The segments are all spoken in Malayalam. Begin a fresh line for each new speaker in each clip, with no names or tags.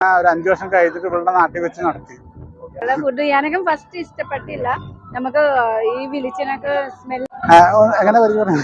ഒരു 5 വർഷം കഴിഞ്ഞിട്ട് ഇവിടെ നാട്ടിൽ വെച്ച് നടത്തി.
ഫുഡ് ഞാനൊക്കെ ഫസ്റ്റ് ഇഷ്ടപ്പെട്ടില്ല. നമുക്ക് ഈ വിളിച്ചനൊക്കെ സ്മെൽ
എങ്ങനെ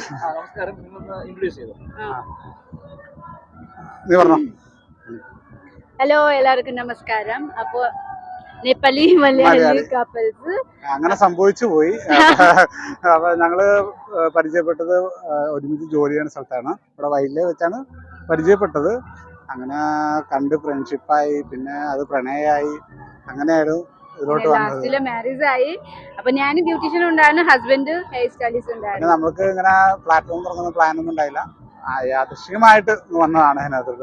ഹലോ എല്ലാവർക്കും നമസ്കാരം. അപ്പോ നേപ്പാളി മലയാളി കപ്പിൾസ്
അങ്ങനെ സംഭവിച്ചു പോയി. അപ്പൊ ഞങ്ങള് പരിചയപ്പെട്ടത് ഒരുമിച്ച് ജോലി ചെയ്യുന്ന സ്ഥലത്താണ്. ഇവിടെ വയലിലെ വെച്ചാണ് പരിചയപ്പെട്ടത്. അങ്ങനെ കണ്ട് ഫ്രണ്ട്ഷിപ്പായി, പിന്നെ അത് പ്രണയമായി, അങ്ങനെയായിരുന്നു ഇതിലോട്ട് വന്നത്.
മാരേജ് ആയി. അപ്പൊ ഞാൻ ബ്യൂട്ടീഷ്യൻ ഉണ്ടായിരുന്നു, ഹസ്ബൻഡ് ഹെയർ സ്റ്റൈലിസ്റ്റ് ഉണ്ടായിരുന്നു.
നമുക്ക് ഇങ്ങനെ പ്ലാറ്റ്ഫോം തുടങ്ങുന്ന പ്ലാൻ ഒന്നും ഉണ്ടായില്ല, യാദൃശ്ചികമായിട്ട് വന്നതാണ് അതിനകത്തോട്ട്.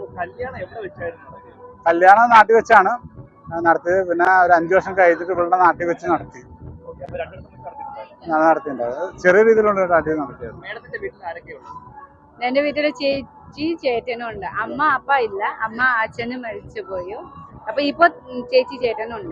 കല്യാണം നാട്ടിൽ വെച്ചാണ് നടത്തിയത്. പിന്നെ ഒരു 5 വർഷം കഴിഞ്ഞിട്ട് ഇവിടെ നാട്ടിൽ വെച്ച് നടത്തി. നടത്തിയിട്ടുണ്ടായത് ചെറിയ രീതിയിലുള്ള നാട്ടിൽ നടത്തിയത്.
എന്റെ വീട്ടില് ചേച്ചി ചേട്ടനും ഉണ്ട്. അമ്മ അപ്പ ഇല്ല, അമ്മ അച്ഛനും മരിച്ചു പോയി. അപ്പൊ ഇപ്പൊ ചേച്ചി ചേട്ടനും ഉണ്ട്.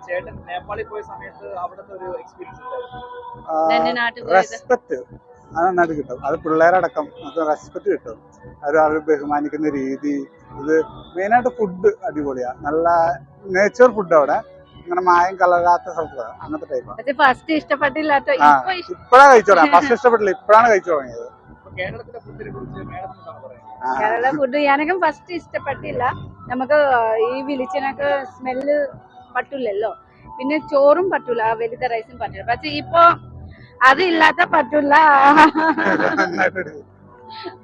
റെസ്പെക്ട് അത് നന്നായിട്ട് കിട്ടും. അത് പിള്ളേരടക്കം റെസ്പെക്ട് കിട്ടും. അവർ ബഹുമാനിക്കുന്ന രീതി, ഇത് മെയിനായിട്ട് ഫുഡ് അടിപൊളിയാ. നല്ല നേച്ചർ ഫുഡ് അവിടെ, അങ്ങനെ മായം കലരാത്ത സ്ഥലത്താണ്. അങ്ങനത്തെ ടൈപ്പാണ്.
ഫസ്റ്റ് ഇഷ്ടപ്പെട്ടില്ലാത്ത
ഇപ്പഴാണ് കഴിച്ചു തുടങ്ങിയത്. ഫസ്റ്റ് ഇഷ്ടപ്പെട്ടില്ല, ഇപ്പഴാണ് കഴിച്ചു തുടങ്ങിയത്.
കേരള ഫുഡ് ഞാനൊക്കെ ഫസ്റ്റ് ഇഷ്ടപ്പെട്ടില്ല. നമുക്ക് ഈ വിളിച്ചനൊക്കെ സ്മെല്ല് പറ്റില്ലല്ലോ. പിന്നെ ചോറും പറ്റൂല, വലുത റൈസും പറ്റില്ല. പക്ഷെ ഇപ്പൊ അതില്ലാത്ത പറ്റില്ല.